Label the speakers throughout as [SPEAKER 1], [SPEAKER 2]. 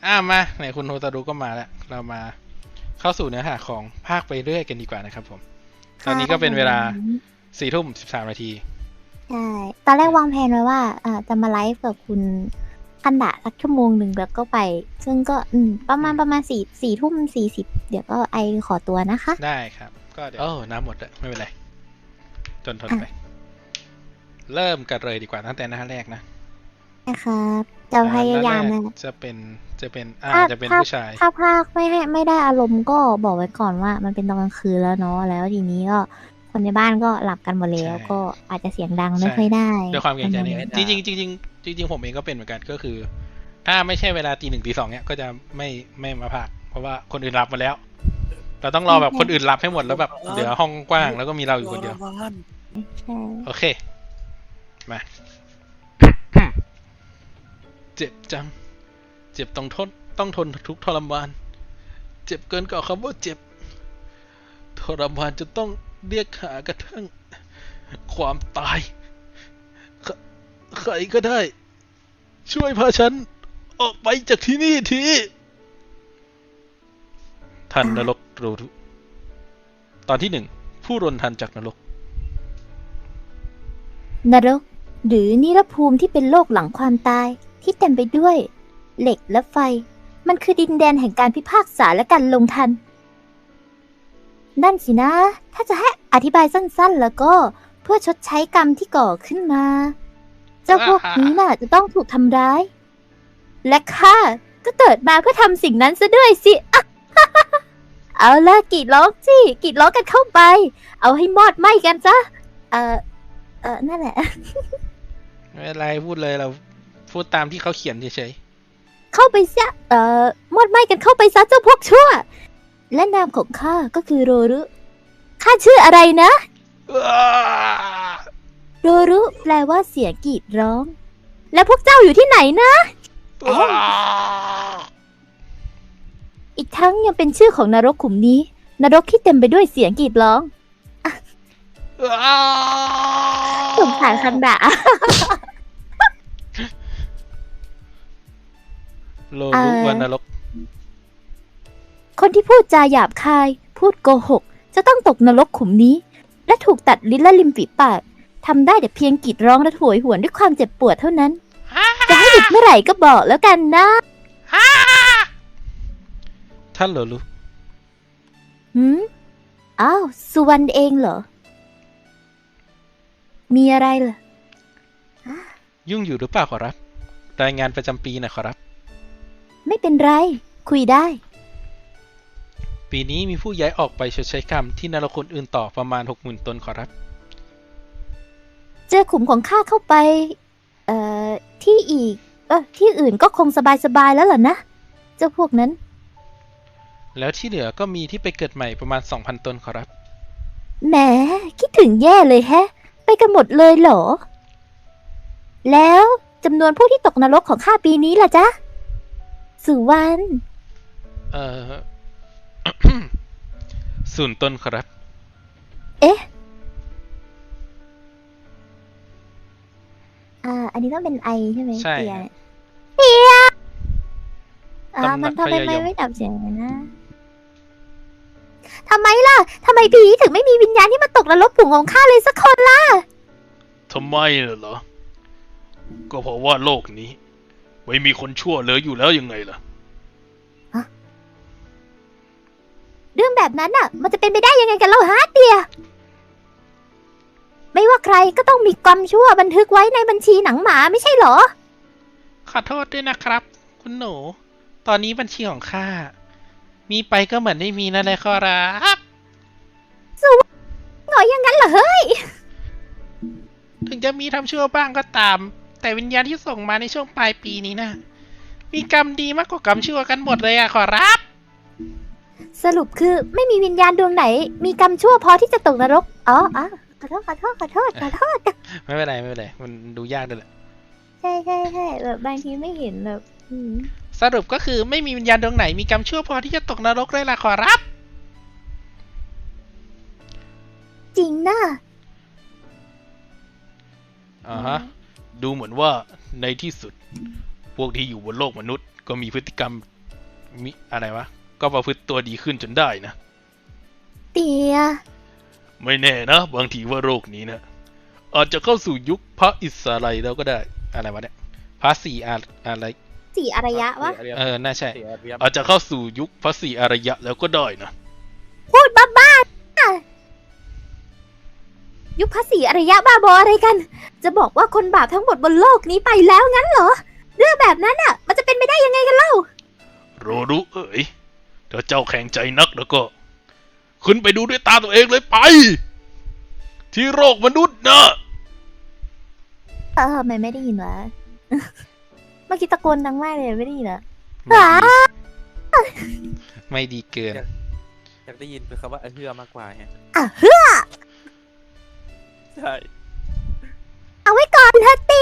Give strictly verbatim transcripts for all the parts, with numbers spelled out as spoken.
[SPEAKER 1] อ่ามาไหนคุณโฮตารุก็มาแล้วเรามาเข้าสู่เนื้อหาของภาคไปเรื่อยกันดีกว่านะครับผมตอนนี้ก็เป็นเวลาสี่ทุ่มสิบสามนาที
[SPEAKER 2] ใช่ตอนแรกวางแผนไว้ว่าอ่าจะมาไลฟ์กับคุณคันดะสักชั่วโมงหนึ่งแล้วก็ไป ซึ่งก็อืมประมาณประมาณสี่สี่ทุ่มสี่สิบเดี๋ยวก็ไอขอตัวนะคะ
[SPEAKER 1] ได้ครับก็เดี๋ยวโอ้น้ำหมดแล้วไม่เป็นไรจนทนไป เริ่มกันเลยดีกว่าตั้งแต่หน้าแรกนะ
[SPEAKER 2] นะครับจะพยายาม
[SPEAKER 1] หน้
[SPEAKER 2] นะ
[SPEAKER 1] แรกจะเป็นจะเป็นอ่า
[SPEAKER 2] ถ้า
[SPEAKER 1] จะเป็น
[SPEAKER 2] ถ้า
[SPEAKER 1] ผู้ชาย
[SPEAKER 2] ถ้าภาคไม่ให้ไม่ได้อารมณ์ก็บอกไว้ก่อนว่ามันเป็นตอนกลางคืนแล้วเนาะแล้วทีนี้ก็คนในบ้านก็หลับกันหมดแล้ว
[SPEAKER 1] ใช่
[SPEAKER 2] ก็อาจจะเสียงดัง
[SPEAKER 1] ใช่
[SPEAKER 2] ไม่ค่อยได้
[SPEAKER 1] ด้วยความเกรงใจ
[SPEAKER 2] ประ
[SPEAKER 1] นี่
[SPEAKER 2] มาณ
[SPEAKER 1] จริงจริงๆจริงๆจริงๆผมเองก็เป็นเหมือนกันก็คือ ถ้าไม่ใช่เวลาตีหนึ่งตีสองเนี้ยก็จะไม่ไม่มาพากเพราะว่าคนอื่นหลับมาแล้ว เราต้องรอแบบคนอื่นหลับให้หมดแล้วแบบเหลือห้องกว้างแล้วก็มีเราอยู่คนเดียว
[SPEAKER 2] ใช่
[SPEAKER 1] โอเค มา เจ็บจัง เจ็บต้องทนต้องทนทุกข์ทรมาน เจ็บเกินกว่าคำว่าเจ็บ ทรมานจะต้องเรียกหากระทั่ง ความตายใครใครก็ได้ ช่วยพาฉัน ออกไปจากที่นี่ที ทันนรกรู้ตอนที่หนึ่ง ผู้รนทันจากนรก
[SPEAKER 2] นรกหรือนิรภูมิที่เป็นโลกหลังความตายที่เต็มไปด้วย เหล็กและไฟ มันคือดินแดนแห่งการพิพากษาและการลงทัน นั่นสินะ ถ้าจะให้อธิบายสั้นๆ แล้วก็เพื่อชดใช้กรรมที่ก่อขึ้นมา เจ้าพวกนี้น่ะจะต้องถูกทำร้าย และข้าก็เกิดมาเพื่อทำสิ่งนั้นซะด้วยสิ เอาละกรีดร้องสิกรีดร้องกันเข้าไป เอาให้มอดไหม้กันซะเออเออนั่นแหละ
[SPEAKER 1] ไม่เป็นไรพูดเลยเราพูดตามที่เขาเขียนเฉย
[SPEAKER 2] เข้าไปซะเอ่อมอดไหม้กันเข้าไปซะเจ้าพวกชั่ว และนามของข้าก็คือโรรุ ข้าชื่ออะไรนะ
[SPEAKER 1] ๆ
[SPEAKER 2] โรรุแปลว่าเสียงกรีดร้อง แล้วพวกเจ้าอยู่ที่ไหนนะ อีกทั้งยังเป็นชื่อของนรกขุมนี้ นรกที่เต็มไปด้วยเสียงกรีดร้องสงสารคันดะ
[SPEAKER 1] โลรุวันนรก
[SPEAKER 2] คนที่พูดจาหยาบคาย พูดโกหก จะต้องตกนรกขุมนี้ และถูกตัดลิ้นและริมฝีปากทำได้แต่เพียงกรีดร้องและโหยหวนด้วยความเจ็บปวดเท่านั้น จะให้หยุดเมื่อไหร่ก็บอกแล้วกันนะ
[SPEAKER 1] ท่านโลรุ
[SPEAKER 2] หืมอ้าวสุวรรณเองเหรอ มีอะไรเหรอ
[SPEAKER 1] ยุ่งอยู่หรือเปล่าขอรับ รายงานประจำปีนะขอรับ
[SPEAKER 2] ไม่เป็นไร คุยได้
[SPEAKER 1] ปีนี้มีผู้ย้ายออกไปชดใช้กรรมที่นรกคนอื่นต่อประมาณหกหมื่นตนขอรับ
[SPEAKER 2] เจอขุมของข้าเข้าไป เอ่อ ที่อีก เออที่อื่นก็คงสบายๆแล้วล่ะนะ เจ้าพวกนั้น
[SPEAKER 1] แล้วที่เหลือก็มีที่ไปเกิดใหม่ประมาณ สองพัน ตนขอรับ
[SPEAKER 2] แหมคิดถึงแย่เลยแฮะ ไปกันหมดเลยเหรอ แล้วจำนวนผู้ที่ตกนรกของข้าปีนี้ล่ะจ๊ะ สุวรรณ
[SPEAKER 1] เอ่อ ศูนย์ตนขอรับ
[SPEAKER 2] เอ๊ะ อ่า อันนี้ต้องเป็นไอใช่ไหม
[SPEAKER 1] ใช่
[SPEAKER 2] เตียเตียอ่า
[SPEAKER 1] ตำหนัก
[SPEAKER 2] มันทำไม
[SPEAKER 1] พยายม
[SPEAKER 2] ไม่ไม่ดับเสียงเลยนะทำไมล่ะทำไมผีถึงไม่มีวิญญาณที่มาตกนรกผุ่งของข้าเลยสักคนล่ะ
[SPEAKER 1] ทำไมเหรอ ก็เพราะว่าโลกนี้ ไม่มีคนชั่วเหลืออยู่แล้วยังไงล่ะ
[SPEAKER 2] เรื่องแบบนั้นน่ะ มันจะเป็นไปได้ยังไงกันเล่าฮะเตีย ไม่ว่าใครก็ต้องมีกรรมชั่วบันทึกไว้ในบัญชีหนังหมาไม่ใช่เหรอ
[SPEAKER 1] ขอโทษด้วยนะครับ คุณหนู ตอนนี้บัญชีของข้า มีไปก็เหมือนไม่มีนั่นแหละขอรับ
[SPEAKER 2] หงอยอย่างนั้นเหรอเฮ้ย
[SPEAKER 1] ถึงจะมีทำชั่วบ้างก็ตาม แต่วิญญาณที่ส่งมาในช่วงปลายปีนี้นะมีกรรมดีมากกว่ากรรมชั่วกันหมดเลยอะขอรับ
[SPEAKER 2] สรุปคือไม่มีวิญญาณดวงไหน มีกรรมชั่วพอที่จะตกนรก อ๋ออ๋อขอโทษขอโทษขอโทษขอโทษ
[SPEAKER 1] ไม่เป็นไรไม่เป็นไร มันดูยากด้วยแหละ
[SPEAKER 2] ใช่ใช่ใช่แบบบางทีไม่เห็นแบบอืม
[SPEAKER 1] สรุปก็คือไม่มีวิญญาณดวงไหนมีกรรมชั่วพอที่จะตกนรกเลยล่ะขอรับ
[SPEAKER 2] จริงนะ
[SPEAKER 1] อ่าฮะ ดูเหมือนว่าในที่สุด พวกที่อยู่บนโลกมนุษย์ก็มีพฤติกรรมมิอะไรวะก็ประพฤติตัวดีขึ้นจนได้นะ
[SPEAKER 2] เตีย
[SPEAKER 1] ไม่แน่นะบางทีว่าโรคนี้นะอาจจะเข้าสู่ยุคพระอิสระแล้วก็ได้อะไรวะเนี่ยพระสี่อะอะไร
[SPEAKER 2] สี่อารยะวะ
[SPEAKER 1] เออน่าใช่
[SPEAKER 3] สี่อารยะ
[SPEAKER 1] อาจจะเข้าสู่ยุคพระสี่อารยะแล้วก็ได้นะ
[SPEAKER 2] พูดบ้าๆยุคภาษีอารยะบ้าบออะไรกัน จะบอกว่าคนบาปทั้งหมดบนโลกนี้ไปแล้วงั้นเหรอ เรื่องแบบนั้นอ่ะ มันจะเป็นไปได้ยังไงกันเล่า
[SPEAKER 1] โรรุเอ๋ยถ้าเจ้าแข็งใจนักแล้วก็ ขึ้นไปดูด้วยตาตัวเองเลยไป ที่โลกมนุษย์นะ
[SPEAKER 2] เออทำไมไม่ได้ยินวะ เมื่อกี้ตะโกนดังมากเลยไม่ได้ยินเหรอ
[SPEAKER 1] ไม่ดีไม่ดีเกิน
[SPEAKER 3] อยากได้ยินเป็นคำว่าเอเฮือมากกว่าฮะ
[SPEAKER 2] อ่ะเฮ้อ
[SPEAKER 3] ใช่
[SPEAKER 2] เอาไว้ก่อนเธอตี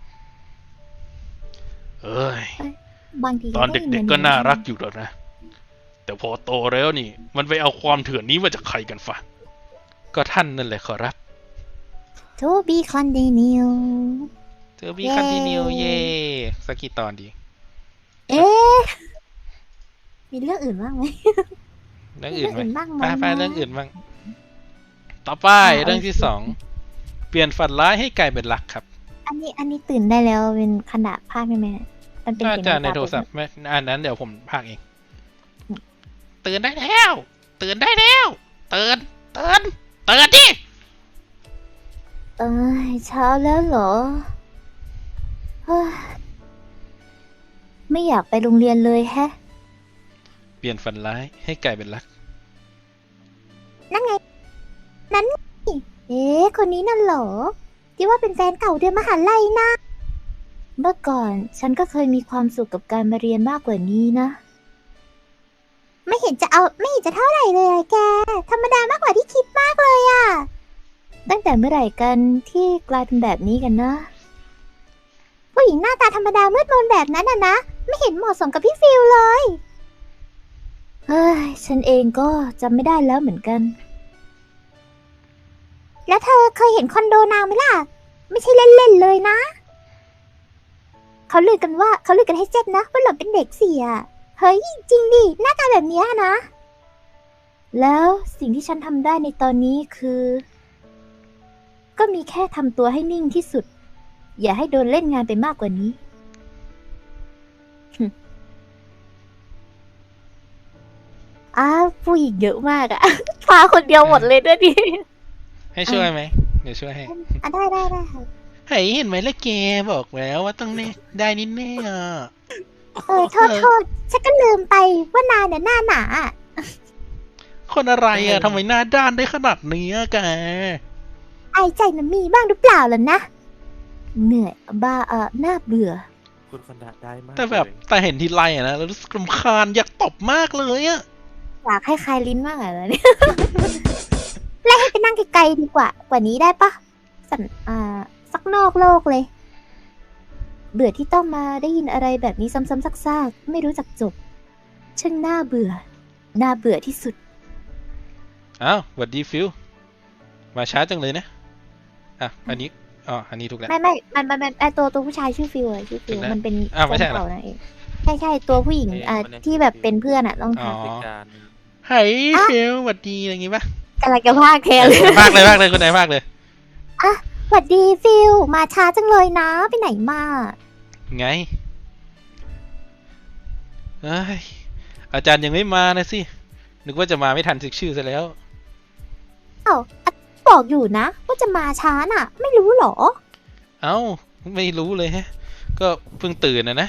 [SPEAKER 1] เอ้ย
[SPEAKER 2] บางที
[SPEAKER 1] ตอนเด็กๆก็น่ารักอยู่แล้วนะ แต่พอโตแล้วนี่ มันไปเอาความเถื่อนนี้มาจากใครกันฟะก็ท่านนั่นแหละขอรับ
[SPEAKER 2] ทูบีคอนดิเนีย
[SPEAKER 1] เจอบีคันติเนียเย่สักกี่ตอนดี
[SPEAKER 2] เอ๊ะมีเรื่องอื่นบ้างไหม
[SPEAKER 1] เรื่องอื่นไหม
[SPEAKER 2] บ้างไหม
[SPEAKER 1] ไปไปเรื่องอื่นบ้างต่อไปเรื่องที่สองเปลี่ยนฝันร้ายให้กลายเป็นรักครับ
[SPEAKER 2] อันนี้อันนี้ตื่นได้แล้วเป็นขนาดภาคได้ไหมมันเป็น
[SPEAKER 1] น่า
[SPEAKER 2] เสียง
[SPEAKER 1] จะใน
[SPEAKER 2] ตา
[SPEAKER 1] โทรศัพท์ไม่อันนั้นเดี๋ยวผมพากเอง
[SPEAKER 2] อืม
[SPEAKER 1] ตื่นได้แล้วตื่นได้แล้วตื่นตื่นตื่นดิ
[SPEAKER 2] เอ้ยเช้าแล้วเหรอเฮ้ยไม่อยากไปโรงเรียนเลยแฮะ
[SPEAKER 1] เปลี่ยนฝันร้ายให้กลายเป็นรัก
[SPEAKER 2] นั่นไง นั้นไงเอ๊ะคนนี้นั่นเหรอ ที่ว่าเป็นแฟนเก่าเดือนมหาลัยนะ เมื่อก่อนฉันก็เคยมีความสุขกับการมาเรียนมากกว่านี้นะ ไม่เห็นจะเอาไม่เห็นจะเท่าไหร่เลยอะแก ธรรมดามากกว่าที่คิดมากเลยอะตั้งแต่เมื่อไหร่กันที่กลายเป็นแบบนี้กันนะ ผู้หญิงหน้าตาธรรมดามืดมนแบบนั้นอะนะ ไม่เห็นเหมาะสมกับพี่ฟิลเลย เฮ้ย ฉันเองก็จำไม่ได้แล้วเหมือนกัน แล้วเธอเคยเห็นคอนโดนางไหมล่ะ ไม่ใช่เล่นๆเลยนะ เขาลือกันว่าเขาลือกันให้เจ็บนะว่าหล่อนเป็นเด็กเสีย เฮ้ย จริงดิ หน้าตาแบบเนี้ยนะ แล้วสิ่งที่ฉันทำได้ในตอนนี้คือ ก็มีแค่ทำตัวให้นิ่งที่สุด อย่าให้โดนเล่นงานไปมากกว่านี้ อ้าวผู้หญิงเยอะมากอะ พาคนเดียวหมดเลยด้วยดิ
[SPEAKER 1] ให้ช่วยไหมเดี๋ยวช่วยให้
[SPEAKER 2] อ่ะได้ได้ได้ค่ะ
[SPEAKER 1] เฮ้ยเห็นไหมล่ะแกบอกแล้วว่าต้องแน่ได้นิดแน่อ่ะ
[SPEAKER 2] เออโทษโทษฉันก็ลืมไปว่านายเนี่ยหน้าหนาอะ
[SPEAKER 1] คนอะไรอ่ะทำไมหน้าด้านได้ขนาดนี้อะแก
[SPEAKER 2] ไอใจมันมีบ้างหรือเปล่าล่ะนะ เหนื่อยบ้าเออน่าเบื่อ
[SPEAKER 3] คุณคนดะได้มาก
[SPEAKER 1] แต่แบบ
[SPEAKER 3] เลย
[SPEAKER 1] แต่เห็นทีไรอะนะแล้วรู้สึกรำคาญอยากตบมากเลยอะ
[SPEAKER 2] อยากให้คลายลิ้นมากอะเนี่ย ไล่ให้ไปนั่งไกลๆดีกว่า กว่านี้ได้ปะสันอ่าสักนอกโลกเลย เบื่อที่ต้องมาได้ยินอะไรแบบนี้ซ้ำๆซากๆไม่รู้จักจบช่างน่าเบื่อ น่าเบื่อที่สุด
[SPEAKER 1] อ้าวสวัสดีฟิลมาช้าจังเลยนะอ่ะอันนี้อ๋ออันนี้ถูกแล้ว
[SPEAKER 2] ไม่ไม่มันมันมันไอตัวตัวผู้ชายชื่อฟิวอะชื่อฟิว
[SPEAKER 1] ถูกแล้ว
[SPEAKER 2] มันเป็น
[SPEAKER 1] อ้าวไม่ใช่เหรอ
[SPEAKER 2] แฟนเก่านั่นเองใช่ใช่ตัวผู้หญิงอ่ะที่แบบเป็นเพื่อนอะต้อง
[SPEAKER 1] อ๋อ
[SPEAKER 2] ทำ
[SPEAKER 3] พิการ
[SPEAKER 1] เฮ้ยฟิลสวัสดีอะไรอย่างงี้ปะ
[SPEAKER 2] กำลังจะพากแทนเลย
[SPEAKER 1] มากเลยมากเลยคนไหนมากเลย
[SPEAKER 2] สวัสดีฟิลมาช้าจังเลยนะ ไปไหนมา
[SPEAKER 1] ไงเอ้ยอาจารย์ยังไม่มานะสินึกว่าจะมาไม่ทันเช็คชื่อซะแล้ว
[SPEAKER 2] เอ้าอะบอกอยู่นะ ว่าจะมาช้าน่ะ ไม่รู้เหรอ
[SPEAKER 1] เอ้าไม่รู้เลยฮะ ก็เพิ่งตื่นนะนะ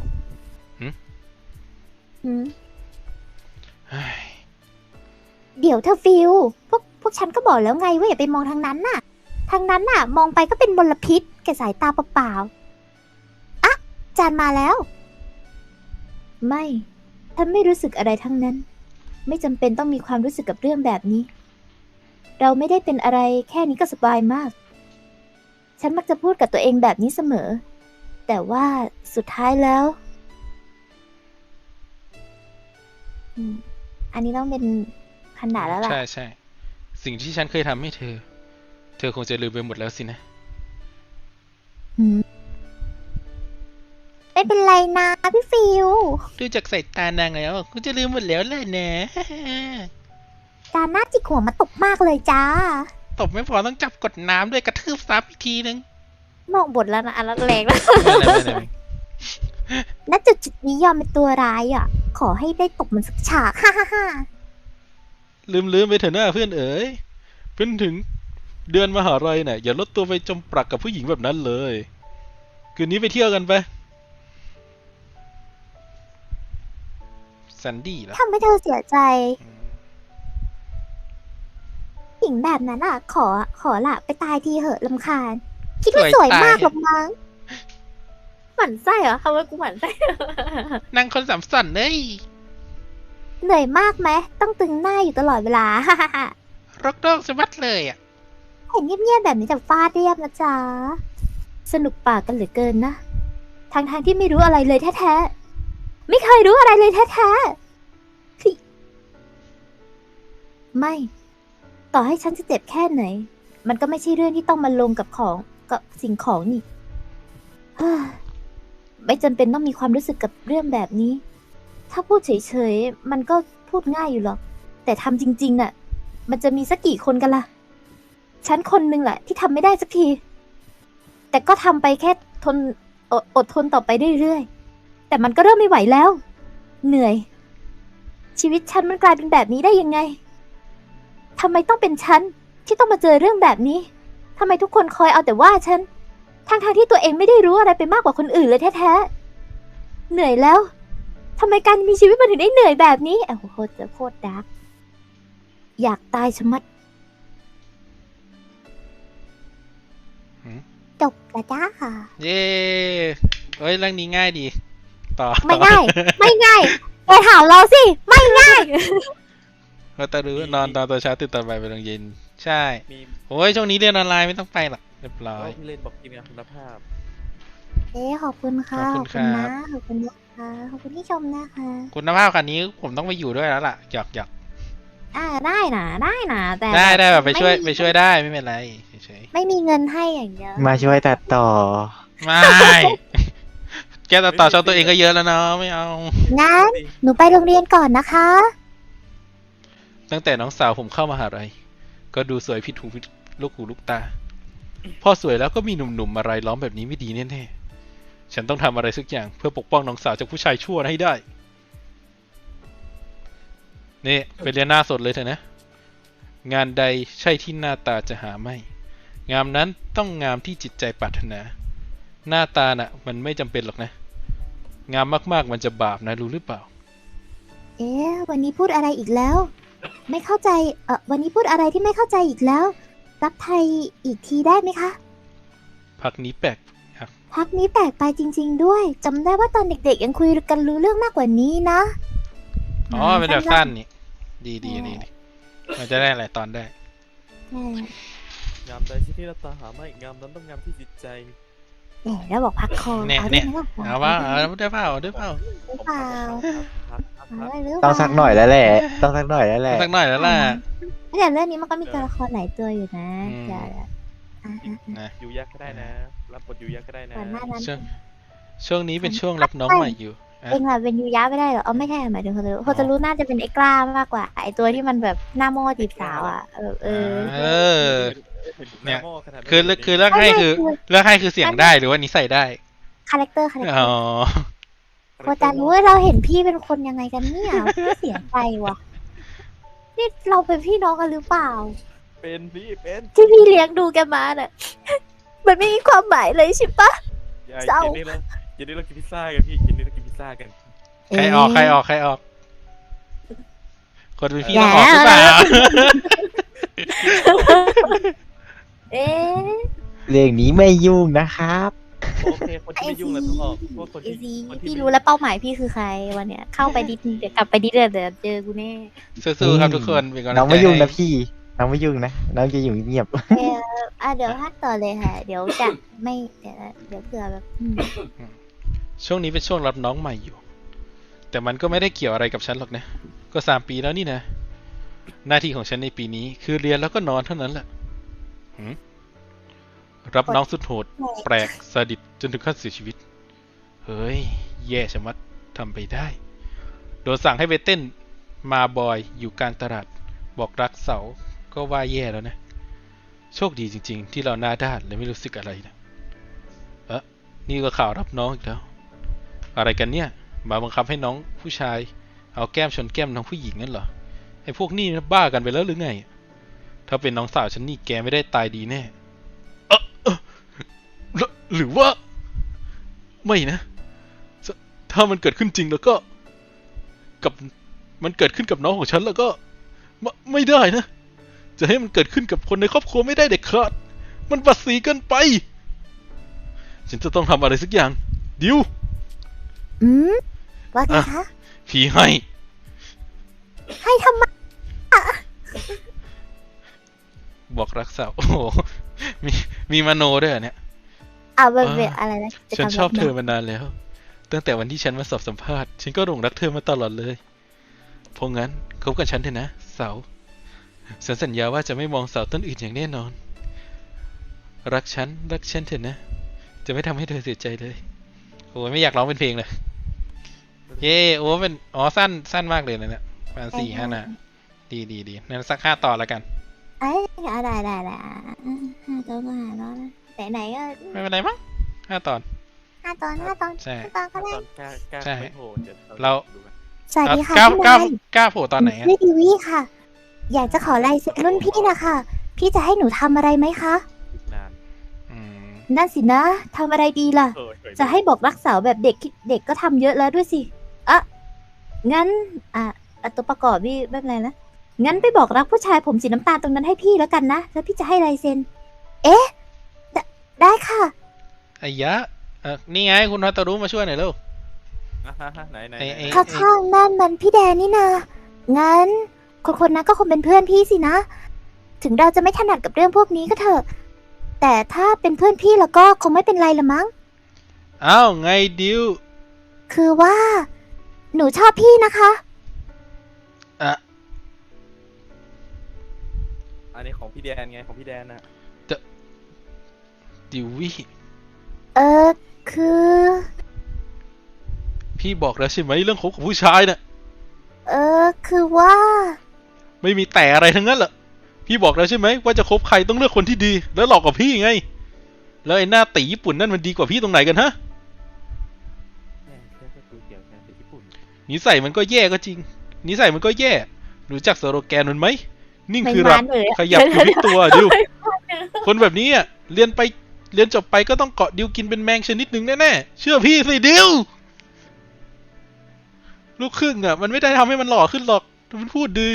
[SPEAKER 2] หืม
[SPEAKER 1] เฮ้ย
[SPEAKER 2] เดี๋ยวเธอฟิลพวกพวกฉันก็บอกแล้วไงว่าอย่าไปมองทางนั้นน่ะ ทางนั้นน่ะ มองไปก็เป็นมลพิษแก่สายตาเปล่าๆอ่ะจานมาแล้ว ไม่ฉันไม่รู้สึกอะไรทั้งนั้น ไม่จำเป็นต้องมีความรู้สึกกับเรื่องแบบนี้ เราไม่ได้เป็นอะไรแค่นี้ก็สบายมาก ฉันมักจะพูดกับตัวเองแบบนี้เสมอ แต่ว่าสุดท้ายแล้วอืมอันนี้ต้องเป็นขนาดแล้วล่ะ
[SPEAKER 1] ใช่ใช่สิ่งที่ฉันเคยทำให้เธอ เธอคงจะลืมไปหมดแล้วสินะ
[SPEAKER 2] หืมเป็นเป็นไรนะพี่ฟิว
[SPEAKER 1] ดูจากสายตานางแล้วกูจะลืมหมดแล้วแหละนะ
[SPEAKER 2] การหน้าจิกหัวมาตบมากเลยจ้า
[SPEAKER 1] ตบไม่พอต้องจับกดน้ำด้วยกระทืบซ้ำอีกทีนึง
[SPEAKER 2] มองบทแล้วนะอันแรงแล้ว
[SPEAKER 1] ไม่เป็นไรไม่เป็นไร
[SPEAKER 2] ณจุดจุดนี้ยอมเป็นตัวร้ายอ่ะ ขอให้ได้ตบมันสักฉากฮ่าฮ่าฮ่า
[SPEAKER 1] ลืมลืมไปเถอะหน้าเพื่อนเอ๋ยเพิ่งถึงเดือนมหาลัยน่ะอย่าลดตัวไปจมปลักกับผู้หญิงแบบนั้นเลยคืนนี้ไปเที่ยวกันไปซันดี้เหรอ
[SPEAKER 2] ทำให้เธอเสียใจหญิงแบบนั้นอ่ะ ขอขอละไปตายทีเหอะลำคาญ คิดว่าสวยมากหรอกมั้งหมั่นไส้เหรอทำไมกูหมั่นไส้
[SPEAKER 1] นางคนสามสันเอ้ย
[SPEAKER 2] เหนื่อยมากไหมต้องตึงหน้าอยู่ตลอดเวลา ฮ่าฮ่าฮ่าร
[SPEAKER 1] กโรคสะบัดเลยอ่ะ
[SPEAKER 2] เห็นเงียบๆแบบนี้แต่ฟาดเรียบนะจ๊ะ สนุกปากกันเหลือเกินนะทางทางๆที่ไม่รู้อะไรเลยแท้ๆไม่เคยรู้อะไรเลยแท้ๆคือไม่ ต่อให้ฉันจะเจ็บแค่ไหน มันก็ไม่ใช่เรื่องที่ต้องมาลงกับของกับสิ่งของนี่ เฮ้ยไม่จำเป็นต้องมีความรู้สึกกับเรื่องแบบนี้ ถ้าพูดเฉยๆ มันก็พูดง่ายอยู่หรอก แต่ทำจริงๆน่ะ มันจะมีสักกี่คนกันล่ะ ฉันคนหนึ่งแหละที่ทำไม่ได้สักที แต่ก็ทำไปแค่ทนอดอดทนต่อไปเรื่อยๆ แต่มันก็เริ่มไม่ไหวแล้ว เหนื่อย ชีวิตฉันมันกลายเป็นแบบนี้ได้ยังไง ทำไมต้องเป็นฉันที่ต้องมาเจอเรื่องแบบนี้ ทำไมทุกคนคอยเอาแต่ว่าฉัน ทั้งๆ ทที่ตัวเองไม่ได้รู้อะไรไปมากกว่าคนอื่นเลยแท้ๆ เหนื่อยแล้ว ทำไมการมีชีวิตมันถึงได้เหนื่อยแบบนี้โอ้โหโคตรโคตรดาร์กอยากตายชะมัด
[SPEAKER 1] หืม
[SPEAKER 2] จบแล้วจ้าค่ะ
[SPEAKER 1] เย้เอ้ยเรื่องนี้ง่ายดี ต่อ
[SPEAKER 2] ไม่ง่าย ไม่ง่ายไปถามเราสิ ไม่ง่าย
[SPEAKER 1] ก็ตะรู้นอนตอนตัวเช้าตื่นตอนบ่ายไปโรงเรียนใช่
[SPEAKER 3] มี
[SPEAKER 1] โอ้ยช่วงนี้เรียนออนไลน์ไม่ต้องไปหรอกเรียบร้อย
[SPEAKER 3] พี่เล่นบอกทีมงานคุณภาพ
[SPEAKER 2] เอ๊ะขอบคุณค่ะ
[SPEAKER 1] ขอบคุณครับ
[SPEAKER 2] นะขอบคุณนะคะขอบคุณที่ชมนะคะ
[SPEAKER 1] คุณภาพคันนี้ผมต้องไปอยู่ด้วยแล้วล่ะหยอกหยอก
[SPEAKER 2] อ่าได้นะได้นะแต่
[SPEAKER 1] ได้ได้แบบไปช่วย
[SPEAKER 2] ม่
[SPEAKER 1] ไปช่วยได้ไม่เป็นไรเฉย
[SPEAKER 2] ไม่มีเงินให้อย่างเดียว
[SPEAKER 4] มาช่วยตัดต่อ
[SPEAKER 1] ๆไม่ แกตัดต่อช่องตัวเองก็เยอะแล้วเนาะไม่เอา
[SPEAKER 2] งั้นหนูไปโรงเรียนก่อนนะคะ
[SPEAKER 1] ตั้งแต่น้องสาวผมเข้ามหาลัยก็ดูสวยผิดหูผิดลูกหูลูกตา พอสวยแล้วก็มีหนุ่มๆมารายล้อมแบบนี้ไม่ดีแน่ๆฉันต้องทำอะไรสักอย่างเพื่อปกป้องน้องสาวจากผู้ชายชั่วให้ได้นี่ไปเรียนหน้าสดเลยเถอะนะ งานใดใช่ที่หน้าตาจะหาไม่ งามนั้นต้องงามที่จิตใจปรารถนา หน้าตาน่ะ มันไม่จำเป็นหรอกนะ งามมากๆมันจะบาปนะรู้หรือเปล่า
[SPEAKER 2] เอ๊ะวันนี้พูดอะไรอีกแล้ว ไม่เข้าใจเออวันนี้พูดอะไรที่ไม่เข้าใจอีกแล้ว รับไทยอีกทีได้ไหมคะ
[SPEAKER 1] พักนี้แปลก
[SPEAKER 2] พักนี้แปลกไปจริง ๆ ด้วยจำได้ว่าตอนเด็กๆยังคุยกันรู้เรื่องมากกว่านี้นะ
[SPEAKER 1] อ๋อเป็นแบบสั้นนี่ ดีดีดีดีมันจะได้หลายตอนได้
[SPEAKER 2] ใช่
[SPEAKER 3] งามใดที่ที่เราตาหาไม่งามนั้นต้องงามที่จิตใจ
[SPEAKER 2] แหมแล้วบอกพักคอ
[SPEAKER 1] เนี่ย
[SPEAKER 2] เอา
[SPEAKER 1] เนี่
[SPEAKER 2] ได้
[SPEAKER 1] ย
[SPEAKER 2] ไหมล่ะ
[SPEAKER 1] เอาว่าเอาได้เปล่าเอาได้เปล่า
[SPEAKER 2] หรือเปล่า
[SPEAKER 3] ครับครับ
[SPEAKER 2] เอา
[SPEAKER 3] ครับ
[SPEAKER 2] ได้หรือเปล่า
[SPEAKER 4] ต้องสักหน่อยแล้วแหละ ต้องสักหน่อยแล้วแหละ
[SPEAKER 1] สักหน่อยแล้วล่ะ
[SPEAKER 2] แต่เรื่องนี้มันก็มีตัวละครหลายตัวอยู่นะ
[SPEAKER 1] อืม
[SPEAKER 2] เดี๋ยวอ่ะอ่ะอ่ะ
[SPEAKER 1] นะ
[SPEAKER 3] อยู่ยักษ์ก็ได้นะ รับบทอยู่ยักษ์ก็ได้นะ
[SPEAKER 2] ก่อนหน้านั้น
[SPEAKER 1] ช่วงช่วงนี้เป็นช่วงรับน้องใหม่อยู่
[SPEAKER 2] เองล่ะเป็นยูยะไม่ได้เหรอเอาไม่ใช่หมายถึงโฮตารุโฮตารุน่าจะเป็นไอ้กล้ามากกว่า ไอ้ตัวที่มันแบบหน้าโม่จีบสาวอ่ะเออเออ
[SPEAKER 1] เออ เนี่ย
[SPEAKER 3] หาหม้อขนาดนั้น
[SPEAKER 1] คือคือเลือกให้คือเลือกให้คือเสียงได้หรือว่านิสัยได้
[SPEAKER 2] คาแรคเตอร์คาแรคเต
[SPEAKER 1] อ๋
[SPEAKER 2] อ
[SPEAKER 1] อ
[SPEAKER 2] ร์โฮตารุเราเห็นพี่เป็นคนยังไงกันเนี่ยพี่เสียใจว่ะนี่เราเป็นพี่น้องกันหรือเปล่า
[SPEAKER 3] เป็นพี่เป็น
[SPEAKER 2] ที่พี่เลี้ยงดูแกมาน่ะ มันไม่มีความหมายเลยใช่ปะ
[SPEAKER 3] อย่า
[SPEAKER 2] เศร้า
[SPEAKER 3] เย็นนี้เราเย็นนี้เรากินพิซซ่ากันพี่เย็นนี้เรากินพิซซ่ากัน
[SPEAKER 1] ใครออกใครออกใครออก คนเป็นพี่ต้องออกหรือเปล่า
[SPEAKER 2] เอ๊ะ
[SPEAKER 4] เรื่องนี้ไม่ยุ่งนะครับ
[SPEAKER 3] โอเคคนที่ไม่ยุ่งเราต้องออกเพราะว่าคน
[SPEAKER 2] ไอ
[SPEAKER 3] ที่
[SPEAKER 2] ซี
[SPEAKER 3] คนที่
[SPEAKER 2] พี่
[SPEAKER 3] ไม่
[SPEAKER 2] รู้แล้วเป้าหมายพี่คือใครวันเนี้ยเข้าไปดิดเดี๋ยวกลับไปดิดเดี๋ยวเดี๋ยวเจอกูแน่
[SPEAKER 1] สู้ๆครับทุกคนเป็นกำลังใจ
[SPEAKER 4] น้องไม่ยุ่งนะ
[SPEAKER 1] ให้
[SPEAKER 4] พี่ น้องไม่ยุ่งนะ น้องจะอยู่เงียบ
[SPEAKER 2] เอออ่ะเดี๋ยวพักต่อเลยค่ะ เดี๋ยวจะไม่เดี๋ยวเดี๋ยวเผื่อแบบอืม
[SPEAKER 1] ช่วงนี้เป็นช่วงรับน้องใหม่อยู่ แต่มันก็ไม่ได้เกี่ยวอะไรกับฉันหรอกนะ ก็สามปีแล้วนี่นะ หน้าที่ของฉันในปีนี้คือเรียนแล้วก็นอนเท่านั้นแหละหืมรับน้องสุดโหด แปลกซาดิสจนถึงขั้นเสียชีวิตเฮ้ยแย่ชะมัดทำไปได้โดนสั่งให้ไปเต้นมาบอยอยู่กลางตลาดบอกรักเสาก็ว่าแย่แล้วนะโชคดีจริงๆที่เราหน้าด้านเลยไม่รู้สึกอะไรนะเอ๊ะนี่ก็ข่าวรับน้องอีกแล้วอะไรกันเนี่ยมาบังคับให้น้องผู้ชายเอาแก้มชนแก้มน้องผู้หญิงนั่นเหรอไอ้พวกนี้บ้ากันไปแล้วหรือไงถ้าเป็นน้องสาวฉันนี่แกไม่ได้ตายดีแน่เออเออหรือหรือว่าไม่นะถ้าถ้ามันเกิดขึ้นจริงแล้วก็กับมันเกิดขึ้นกับน้องของฉันแล้วก็ไม่ไม่ได้นะจะให้มันเกิดขึ้นกับคนในครอบครัวไม่ได้เด็ดขาดมันบัดสีเกินไปฉันจะต้องทำอะไรสักอย่างดิว
[SPEAKER 2] อืมว่าไง
[SPEAKER 1] อ่ะ
[SPEAKER 2] คะ
[SPEAKER 1] พี่ให้
[SPEAKER 2] ให้ทำไม
[SPEAKER 1] บอกรักสาวโอ้โหมีมีมโนด้วยเหรอเนี่ย
[SPEAKER 2] อ่าเป็น
[SPEAKER 1] อ่า
[SPEAKER 2] เป็นอะไรนะจะ
[SPEAKER 1] ฉัน
[SPEAKER 2] ทำ
[SPEAKER 1] ชอบ
[SPEAKER 2] แบบ
[SPEAKER 1] เธอมานานแล้ว ตั้งแต่วันที่ฉันมาสอบสัมภาษณ์ฉันก็หลงรักเธอมาตลอดเลยเพราะงั้นคบกับฉันเถอะนะเสาฉันสัญญาว่าจะไม่มองเสาต้นอื่นอย่างแน่นอน รักฉันรักฉันเถอะนะ จะไม่ทำให้เธอเสียใจเลยโอ้ยไม่อยากร้องเป็นเพลงเลยเย่โอ้เป็นอ๋อสั้นสั้นมากเลยนะเนี่ยประมาณสี่ห้าหน้าดีดีดีนั่นสักห้าตอนแล้วกัน
[SPEAKER 2] เอ้ยเอาได้ได้ได้อ่ะห้าตอนก็ห้าตอนนะไหนไหนๆก็
[SPEAKER 1] ไม่เป็นไรมั้งห้าตอน
[SPEAKER 2] ห้าตอนห้าตอน
[SPEAKER 1] ใช่
[SPEAKER 2] ห้าตอนก็
[SPEAKER 3] ต
[SPEAKER 2] ได้
[SPEAKER 3] อนกล้ากล้า
[SPEAKER 1] ใช่
[SPEAKER 3] ไม่โผล่เดี๋ยว
[SPEAKER 1] เรา
[SPEAKER 3] ดูกัน
[SPEAKER 2] สวัสดีค่ะ
[SPEAKER 1] กล้า
[SPEAKER 2] พี่
[SPEAKER 1] กล้าน
[SPEAKER 2] าย
[SPEAKER 1] กล้าโผล่ตอนไหนอะ
[SPEAKER 2] ชื่อดีวีค่ะ อยากจะขอลายเซ็นรุ่นพี่นะคะพี่จะให้หนูทำอะไรไหมคะ
[SPEAKER 3] อีกนาน
[SPEAKER 1] อืม
[SPEAKER 2] นั่นสินะทำอะไรดีล่ะ
[SPEAKER 3] เออเคยดู
[SPEAKER 2] จะให้บอกรักสาวแบบเด็กคิดเด็กก็ทำเยอะแล้วด้วยสิอ่ะงั้น อ่ะอ่ะตัวประกอบพี่ไม่เป็นไรนะงั้นไปบอกรักผู้ชายผมสีน้ำตาลตรงนั้นให้พี่แล้วกันนะแล้วพี่จะให้ลายเซ็น เอ๊ะได้ได้ค่ะ
[SPEAKER 1] ไอ้ยะเออนี่ไงคุณฮัตตารุมาช่วยหน่อยเร็ว
[SPEAKER 3] อ่ะฮะฮะไหนไหน
[SPEAKER 1] ไอ้
[SPEAKER 3] ไหน
[SPEAKER 1] ไอ้
[SPEAKER 2] ข้างๆนั่นมันพี่แดนนี่นางั้น คนคนนั้นก็คงเป็นเพื่อนพี่สินะ ถึงเราจะไม่ถนัดกับเรื่องพวกนี้ก็เถอะ แต่ถ้าเป็นเพื่อนพี่แล้วก็คงไม่เป็นไรละมั้ง
[SPEAKER 1] อ้าวไงดิว
[SPEAKER 2] คือว่า หนูชอบพี่นะคะ
[SPEAKER 1] อ่ะ
[SPEAKER 3] อันนี้ของพี่แดนไงของพี่แดนน่ะ
[SPEAKER 1] ดิววี่
[SPEAKER 2] เออคือ
[SPEAKER 1] พี่บอกแล้วใช่ไหมเรื่องคบกับผู้ชายน่ะ
[SPEAKER 2] เออคือว่า
[SPEAKER 1] ไม่มีแต่อะไรทั้งนั้นแหละพี่บอกแล้วใช่ไหมว่าจะคบใครต้องเลือกคนที่ดี แล้วหลอกกับพี่ไง แล้วไอ้หน้าตีญี่ปุ่นนั่นมันดีกว่าพี่ตรงไหนกันฮะ
[SPEAKER 3] แม่แค่ก็ดูเกี่ยวกันเป็นญี่ปุ่น
[SPEAKER 1] นิสัยมันก็แย่ก็จริง นิสัยมันก็แย่ รู้จักสโลแกนมันไหม นิ่ง
[SPEAKER 2] ไม่
[SPEAKER 1] คือรัก
[SPEAKER 2] มานเลยอะ
[SPEAKER 1] ขยับอยู่ที่ตัวดิว คนแบบนี้อ่ะ เรียนไป เรียนจบไปก็ต้องเกาะดิวกินเป็นแมงชนิดหนึ่งแน่ๆ เชื่อพี่สิดิว ลูกครึ่งอ่ะ มันไม่ได้ทำให้มันหล่อขึ้นหรอกถ้ามันพูดดี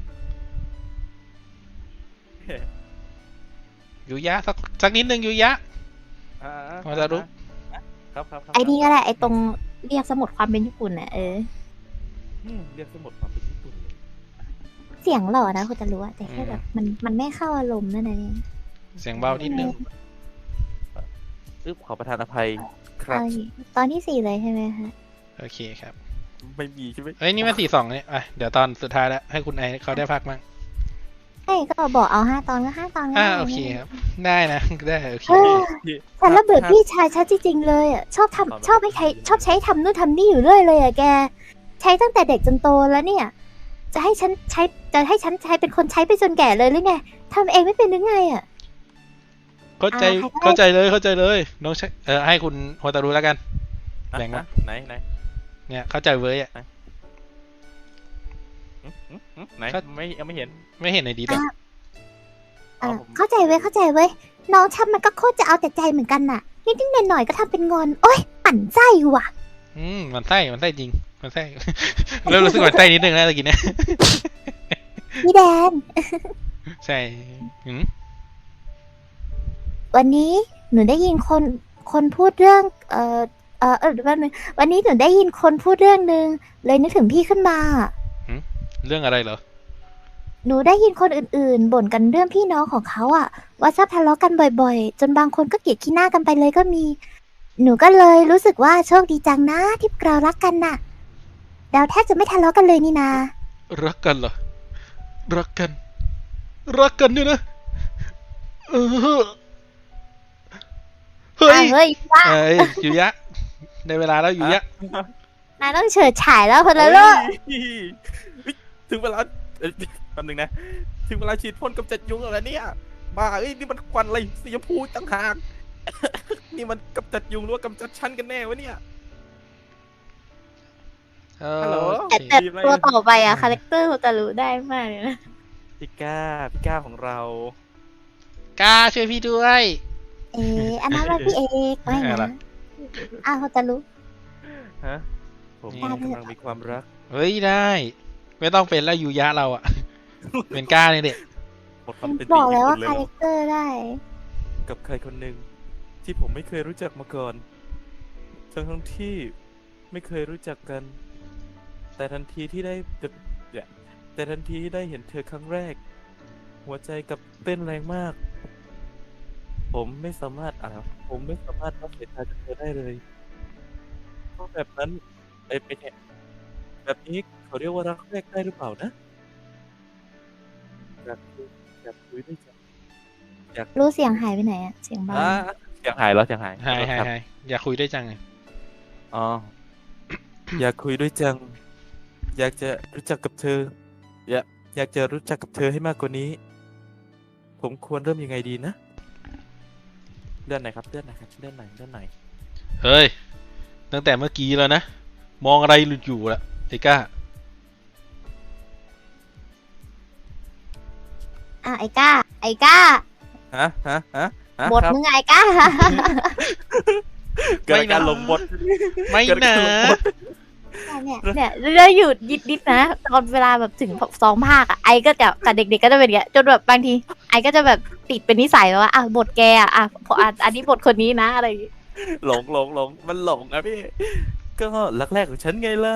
[SPEAKER 1] ยูยะสักสักนิดนึงยูยะ
[SPEAKER 3] อ่า
[SPEAKER 1] พอจะรู้
[SPEAKER 3] ครับครับครับ
[SPEAKER 2] ไอ้นี่ก็ได้ไอ้ตรงเรียกสมุดความเป็นญี่ปุ่นน่ะเออ
[SPEAKER 3] อืมเรียกสมุดความเป็นญี่ปุ่นเลย
[SPEAKER 2] เสียงหล่อนะคุณจะรู้อะแต่แค่แบบมันมันไม่เข้าอารมณ์นั่นเอง
[SPEAKER 1] เสียงเบานิดนึง
[SPEAKER 3] อึ๊บขอประทานอภัยครับ
[SPEAKER 2] เอาอีกตอนที่สี่เลยใช่ไหมคะ
[SPEAKER 1] โอเคครับ
[SPEAKER 3] ไม่มีใช่ไหม
[SPEAKER 1] เอ้ยนี่มันสี่สองเนี่ยอ่ะเดี๋ยวตอนสุดท้ายแล้วให้คุณไอเขาได้พักมั่ง
[SPEAKER 2] ใช่ก็บอกเอาห้าตอนก็ห้าตอนก็
[SPEAKER 1] อ่า
[SPEAKER 2] ได้
[SPEAKER 1] โอเคครับ ได้นะ ได้โอเค
[SPEAKER 2] เออ
[SPEAKER 3] พี่
[SPEAKER 2] ฉันระเบิดพี่ชายชัดจริงๆเลยอ่ะชอบทำชอบให้ใช้ชอบใช้ทำนู่นทำนี่อยู่เรื่อยเลยอ่ะแก ใช้ตั้งแต่เด็กจนโตแล้วเนี่ย จะให้ฉันใช้จะให้ฉันใช้เป็นคนใช้ไปจนแก่เลยหรือไงทำเองไม่เป็นหรือไงอ่ะ
[SPEAKER 1] เข้าใจ
[SPEAKER 2] อ่าใครก็ได้
[SPEAKER 1] เข้าใจเลยเข้าใจเลยน้องใช้เออให้คุณโฮตารุแล้วกัน
[SPEAKER 3] อ่ะ
[SPEAKER 1] แบ่งมา
[SPEAKER 3] อ่ะไหนไหน
[SPEAKER 1] เนี่ยเข้าใจเว้ยอ่ะ
[SPEAKER 3] อืมอืมอืมไหน
[SPEAKER 1] ครับ
[SPEAKER 3] ไม่ยังไม่เห็น
[SPEAKER 1] ไม่เห็นในดีหรอก
[SPEAKER 2] อ่ะ
[SPEAKER 3] เอาผม
[SPEAKER 2] เข้าใจเว้ยเข้าใจเว้ยน้องชับมันก็โคตรจะเอาแต่ใจเหมือนกันน่ะนิดๆหน่อยๆก็ทำเป็นงอน โอ๊ยปั่นไส้ว่ะ
[SPEAKER 1] อืมมันไส้มันไส้จริงมันไส้ เริ่มรู้สึกมันไส้นิดนึงแล้วตะกี้เนี่ย
[SPEAKER 2] พี่แดน
[SPEAKER 1] ใช่อืม
[SPEAKER 2] วันนี้หนูได้ยินคนคนพูดเรื่อง เอ่อเอ่อเออแป๊บนึงวันนี้หนูได้ยินคนพูดเรื่องหนึ่งเลยนึกถึงพี่ขึ้นมา
[SPEAKER 1] เรื่องอะไรเหรอ
[SPEAKER 2] หนูได้ยินคนอื่นๆ บ่นกันเรื่องพี่น้องของเขาอะว่าชอบทะเลาะกันบ่อยๆ จนบางคนก็เกลียดขี้หน้ากันไปเลยก็มี หนูก็เลยรู้สึกว่าโชคดีจังนะที่เรารักกันน่ะเราแทบจะไม่ทะเลาะกันเลยนี่นา
[SPEAKER 1] รักกันเหรอรักกัน รักกันเนี่ยนะเออเฮ้
[SPEAKER 2] อ่ะ
[SPEAKER 1] ย
[SPEAKER 2] เฮ้ยว่า
[SPEAKER 1] เอ้ยยูยะได้เวลาแล้วอยู่ยะ
[SPEAKER 2] นายต้องเฉิดฉายแล้วคนละโลก
[SPEAKER 3] เฮ้ยเฮ้ยถึงเวลาเอ้ยแป๊บนึงนะ ถึงเวลาฉีดพ่นกำจัดยุงแล้วเนี่ยบ้าเอ้ยนี่มันควันอะไรสีชมพูต่างหาก นี่มันกำจัดยุงหรือว่ากำจัดชั้นกันแน่วะเนี่ย
[SPEAKER 1] เออ
[SPEAKER 3] ฮัลโหล
[SPEAKER 1] โอ
[SPEAKER 2] แต่
[SPEAKER 1] เค
[SPEAKER 2] แต่ตัวต่อไปอะคาแรคเตอร์โฮตารุได้มากเลยนะ
[SPEAKER 3] พี่ก้าพี่ก้าของเรา
[SPEAKER 1] กล้าช่วยพี่ด้วย
[SPEAKER 2] เอ๊ะอันนั้นว่าพี่เอกไม่
[SPEAKER 1] อะไร
[SPEAKER 2] นะ
[SPEAKER 1] ล่ะ
[SPEAKER 2] อ้าวโฮตารุ
[SPEAKER 3] ฮะผม
[SPEAKER 2] กล้าด้วย
[SPEAKER 3] กำลังมีความรัก
[SPEAKER 1] เฮ้ยได้ ไม่ต้องเป็นแล้วยูยะเราอะ เป็นกล้าเนี่ยเด็ก
[SPEAKER 3] หมดความเป็น
[SPEAKER 2] บ
[SPEAKER 3] จริ
[SPEAKER 2] อง กแล้วว่า
[SPEAKER 3] ที่
[SPEAKER 2] คา
[SPEAKER 3] สุด
[SPEAKER 2] แร
[SPEAKER 3] เลย
[SPEAKER 2] คเตอร์ได้
[SPEAKER 3] กับใครคนหนึ่งที่ผมไม่เคยรู้จักมาก่อนทั้งทั้งที่ไม่เคยรู้จักกัน แต่ทันทีที่ได้แต่เนี่ยแต่ทันทีที่ได้เห็นเธอครั้งแรก หัวใจกับเต้นแรงมาก ผมไม่สามารถอ่าผมไม่สามารถรับสายตาจากเธอได้เลยเพราะแบบนั้นไอ้ไม่ใช่แบบนี้เขาเรียกว่ารักแรกได้หรือเปล่านะอยากคุยอยากคุยด้วยจัง
[SPEAKER 2] รู้เสียงหายไปไหนอะเสียงเบา
[SPEAKER 3] อ่าเสียงหายแล้วเสียงหาย
[SPEAKER 1] หายหาย
[SPEAKER 3] ครับ
[SPEAKER 1] หายอยากคุยด้วยจังเลย
[SPEAKER 3] อ๋อ อยากคุยด้วยจัง อยากจะรู้จักกับเธอ อยากอยากจะรู้จักกับเธอให้มากกว่านี้ ผมควรเริ่มยังไงดีนะเลื่อนไหนอยครับเลื่อนไหนอยครับเลื่อนไหนอยเลื่อนไหนอย
[SPEAKER 1] เฮ้ย ตั้งแต่เมื่อกี้แล้วนะ มองอะไรหลุดอยู่ละไอ้ก้า
[SPEAKER 2] อ่ะไอ้ก้า ไอ้ก้า
[SPEAKER 3] ฮะฮะฮะฮะ
[SPEAKER 2] บท
[SPEAKER 3] ครับ
[SPEAKER 2] มึงอะไอ้ก้า
[SPEAKER 3] เกิดการลงบท
[SPEAKER 1] ไม่
[SPEAKER 3] เกิด
[SPEAKER 1] นะ
[SPEAKER 3] การลงบท
[SPEAKER 2] เนี่ยเนี่ยแล้วหยุดยิดดิดนะตอนเวลาแบบถึงสองภาคอะไอก็จะกับเด็กๆก็จะเป็นอย่างเงี้ยจนแบบบางที ไอก็จะแบบติดเป็นนิสัยว่าอ่ะบทแกอะอ่ะพออ่ะอันนี้บทคนนี้นะอะไรอย่างงี้
[SPEAKER 3] หลงหลงหลงมันหลงอะพี่ ก็รักแรกของฉันไงล่ะ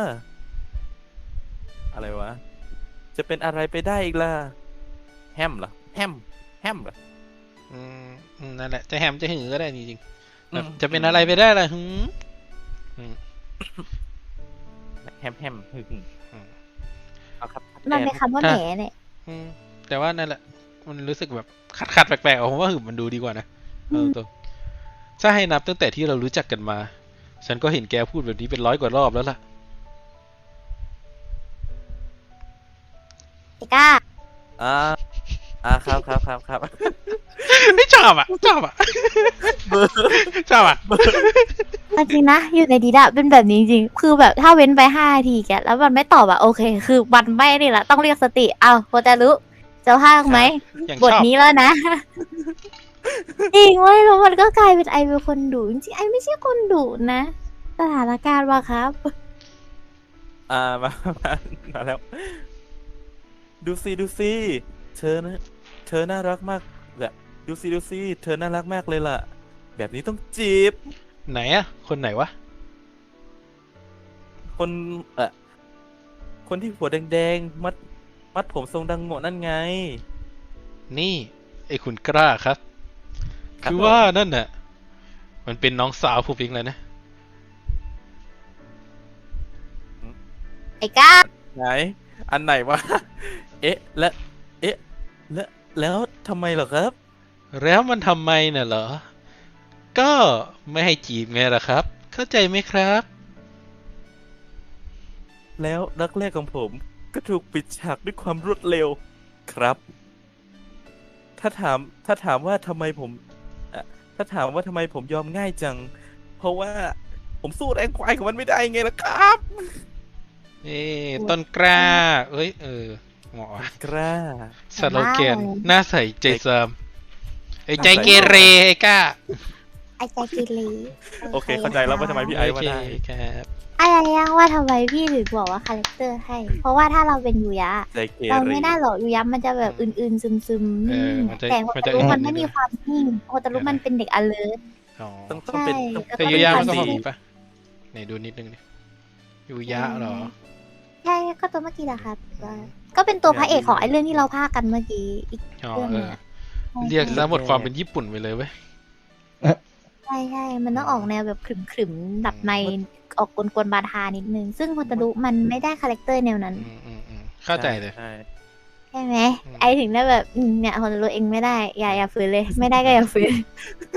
[SPEAKER 3] อะไรวะ จะเป็นอะไรไปได้อีกล่ะ แฮมเหรอ แฮม แฮมเหรอ
[SPEAKER 1] อืมอืมนั่นแหละ จะแฮมจะหือก็ได้จริงๆแบบ
[SPEAKER 3] อืม
[SPEAKER 1] จะเป็นอะไรไปได้ล่ะหืม
[SPEAKER 3] แฮมแฮมหึ่ง
[SPEAKER 1] อืม
[SPEAKER 3] เอาครับ
[SPEAKER 2] มันเป็นคำว่า
[SPEAKER 1] ถ้า
[SPEAKER 2] แหนเนี่ย
[SPEAKER 1] อืมแต่ว่านั่นแหละ มันรู้สึกแบบขัดขัดๆแปลกๆอะผมว่าหืมมันดูดีกว่านะเออตัวถ้าให้นับตั้งแต่ที่เรารู้จักกันมา ฉันก็เห็นแกพูดแบบนี้เป็นร้อยกว่ารอบแล้วล่ะ
[SPEAKER 2] ไอ้ก้า
[SPEAKER 3] อ่า อ่าครับครับครับครับ
[SPEAKER 1] ไม่ชอบอ่ะ ชอบอ่ะ ชอบอ่ะ
[SPEAKER 2] เอาจริงนะอยู่ในดีดะเป็นแบบนี้จริงๆคือแบบถ้าเว้นไปห้านาทีแกแล้วมันไม่ตอบอะโอเค คือมันไม่นี่แหละต้องเรียกสติเอาโฮตารุจะพากไหม
[SPEAKER 1] อย่าง
[SPEAKER 2] บ
[SPEAKER 1] ช
[SPEAKER 2] ท
[SPEAKER 1] อบ
[SPEAKER 2] นี้แล้วนะ จริงเว้ยแล้วมันก็กลายเป็นไอเป็นคนดุจริงๆไอไม่ใช่คนดุนะสถานการณ์ว่าครับ
[SPEAKER 3] อ่ามามามาแล้ว ดูสิดูสิเธอนะ เธอน่ารักมากแบบดูสิดูสิเธอน่ารักมากเลยล่ะ แบบนี้ต้องจีบ
[SPEAKER 1] ไหนอ่ะ คนไหนวะ
[SPEAKER 3] คนเออคนที่หัวแดงๆ มัด มัดผมทรงดังโง่นั่นไง
[SPEAKER 1] นี่ ไอ้คุณกล้าครับ
[SPEAKER 3] ครับ
[SPEAKER 1] คือ
[SPEAKER 3] ผม
[SPEAKER 1] ว่านั่นน่ะ มันเป็นน้องสาวผมเองเลยนะ
[SPEAKER 2] ไอ้ก้า
[SPEAKER 3] ไหน อันไหนวะ เอ๊ะ และ เอ๊ะ และ แล้วทำไมเหรอครับ
[SPEAKER 1] แล้วมันทำไมน่ะเหรอ ก็ไม่ให้จีบไงล่ะครับ เข้าใจไหมครับ
[SPEAKER 3] แล้วรักแรกของผมก็ถูกปิดฉากด้วยความรวดเร็วครับ ถ้าถามถ้าถามว่าทำไมผมเอ่อถ้าถามว่าทำไมผมยอมง่ายจัง เพราะว่าผมสู้แรงควายของมันไม่ได้ไงล่ะครับ
[SPEAKER 1] เอ้ต้นกล้า เอ้ย เออเหมาะว่ะ
[SPEAKER 3] กล้า
[SPEAKER 1] สโลแกนหน้าใสใจซามไอ้ใจ
[SPEAKER 3] หน้าใส
[SPEAKER 1] เกเรไอ้กล้า
[SPEAKER 2] ไอ้ใจกิเล
[SPEAKER 3] โอเค เข้าใจแล้วว่าทำไมพี่ไอซ์ว่าได้
[SPEAKER 1] โอเคครับ
[SPEAKER 2] อะไรยังว่าทำไมพี่ถึงบอกว่าคาแรคเตอร์ให้ เพราะว่าถ้าเราเป็นยูยะ
[SPEAKER 3] ใจเก
[SPEAKER 2] เรา
[SPEAKER 3] เร
[SPEAKER 2] ไม่ได้หรอกยูยะมันจะแบบอื่นๆซึมๆ
[SPEAKER 1] เอ
[SPEAKER 2] นิ่
[SPEAKER 1] อง มันจะ
[SPEAKER 2] แต่โฮ
[SPEAKER 1] มัน
[SPEAKER 2] ตา
[SPEAKER 1] จะ
[SPEAKER 2] รุ
[SPEAKER 1] อื
[SPEAKER 2] มัน
[SPEAKER 1] ด
[SPEAKER 2] ไม่
[SPEAKER 1] นิดนึ
[SPEAKER 2] มี
[SPEAKER 1] ง
[SPEAKER 2] ความนิ่งโฮตารุมันเป็นเด็ก alert
[SPEAKER 1] อ๋อ
[SPEAKER 3] ต้องต้องเป็น
[SPEAKER 2] ใช่
[SPEAKER 3] ต้อง
[SPEAKER 2] แล้ว
[SPEAKER 1] แต่
[SPEAKER 2] ก็
[SPEAKER 1] ยูยะ
[SPEAKER 2] เป็
[SPEAKER 1] มัน
[SPEAKER 2] น
[SPEAKER 1] ก็
[SPEAKER 2] ค
[SPEAKER 1] พ
[SPEAKER 2] วา
[SPEAKER 1] อ
[SPEAKER 2] ม
[SPEAKER 1] มีปะไหนดูนิดนึงดิยูยะเหรอ
[SPEAKER 2] ใช่ก็ตัวเมื่อกี้แหละครับว่าก็เป็นตัวพระเอกของไอ้เรื่องที่เราพากกันเมื่อกี้อีก
[SPEAKER 1] อ๋อ
[SPEAKER 2] เรื่อง
[SPEAKER 1] เอ
[SPEAKER 2] หนึง
[SPEAKER 1] อ
[SPEAKER 2] อะ
[SPEAKER 1] เรียกซะหมดความเป็นญี่ปุ่นไปเลยเว้ย
[SPEAKER 2] ใช่ใช่มันต้องออกแนวแบบขรึมๆดับในออกกวนๆบาทานิดนึง ซึ่งโฮตารุมันไม่ได้คาแรคเตอร์แนวนั้น
[SPEAKER 1] อืมอืมอืมเข้าใจเลย
[SPEAKER 3] ใช่
[SPEAKER 2] ใช่ไหม
[SPEAKER 1] อืม
[SPEAKER 2] ไอถึงได้แบบอืมเนี่ยโฮตารุเองไม่ได้ อย่าอย่าฝืนเลย ไม่ได้ก็อย่าฝืน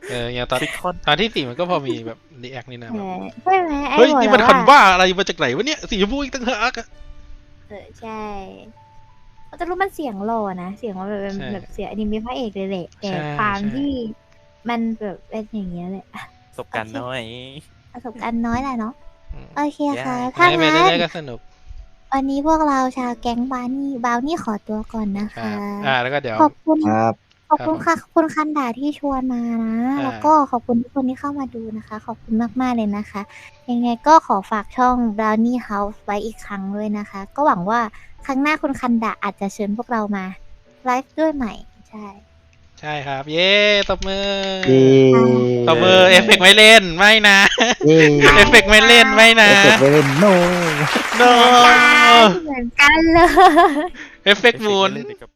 [SPEAKER 1] เอออย่างตอน
[SPEAKER 3] ซิคอน
[SPEAKER 1] ตอนที่สี่มันก็พอมีแบบรีแอคนี่นะ
[SPEAKER 2] เอ
[SPEAKER 1] แบบ
[SPEAKER 2] อใช่ไหมไอ้
[SPEAKER 1] เฮ้ย
[SPEAKER 2] บอก
[SPEAKER 1] นี่
[SPEAKER 2] แล้
[SPEAKER 1] มัน
[SPEAKER 2] ว
[SPEAKER 1] คัน
[SPEAKER 2] ว่า
[SPEAKER 1] บ้าอะไรมาจากไหนวะเนี่ยสีชมพูอีกตั้งหากอะ
[SPEAKER 2] เออใช่เขาจะรู้มันเสียงหล่อนะ เสียงมันแบบเป็น
[SPEAKER 1] ใช่
[SPEAKER 2] แบบเสียงอนิเมะพระเอกเลยแหละแต่
[SPEAKER 1] ใช่
[SPEAKER 2] ความ
[SPEAKER 1] ใช่
[SPEAKER 2] ที่มันแบบเป็นอย่างเงี้ยแหละ
[SPEAKER 3] ประสบการณ์น้อย
[SPEAKER 2] ประสบการณ์น้อยแหละเนาะ
[SPEAKER 1] อืม
[SPEAKER 2] โอเคค่ะ
[SPEAKER 3] ได้
[SPEAKER 2] ถ้า
[SPEAKER 1] ได้ไป
[SPEAKER 2] งั้น
[SPEAKER 1] เรื่อยๆก็สนุก
[SPEAKER 2] วันนี้พวกเราชาวแก๊งบาวนี่บาวนี่ขอตัวก่อนนะ
[SPEAKER 1] ครั
[SPEAKER 2] คะ
[SPEAKER 1] บอ่าแล้วก็เดี๋ยว
[SPEAKER 2] ขอบคุณ
[SPEAKER 4] ครับ
[SPEAKER 2] ขอบคุณค่ะขอบคุณคันดาที่ชวนมานะ
[SPEAKER 1] อ่า
[SPEAKER 2] แล้วก็ขอบคุณทุกคนที่เข้ามาดูนะคะ ขอบคุณมากๆเลยนะคะ ยังไงก็ขอฝากช่อง Brownie House ไว้อีกครั้งด้วยนะคะ ก็หวังว่าครั้งหน้าคุณคันดาอาจจะเชิญพวกเรามาไลฟ์ด้วยใหม่ ใช่
[SPEAKER 1] ใช่ครับ เย้ตบมือ
[SPEAKER 4] เย้
[SPEAKER 1] ตบมือเอฟเฟกต์ไม่เล่นไม่นะ
[SPEAKER 4] เย้
[SPEAKER 1] เอฟเฟกต์ไม่เล่นไม่นะ
[SPEAKER 4] เอฟเฟกต์ไม่เล่นโน
[SPEAKER 1] no
[SPEAKER 2] เหมือนกันเลย
[SPEAKER 1] เอฟเฟกต์หมุน
[SPEAKER 3] เอฟเฟกต์ไม่เล่นเลยครับ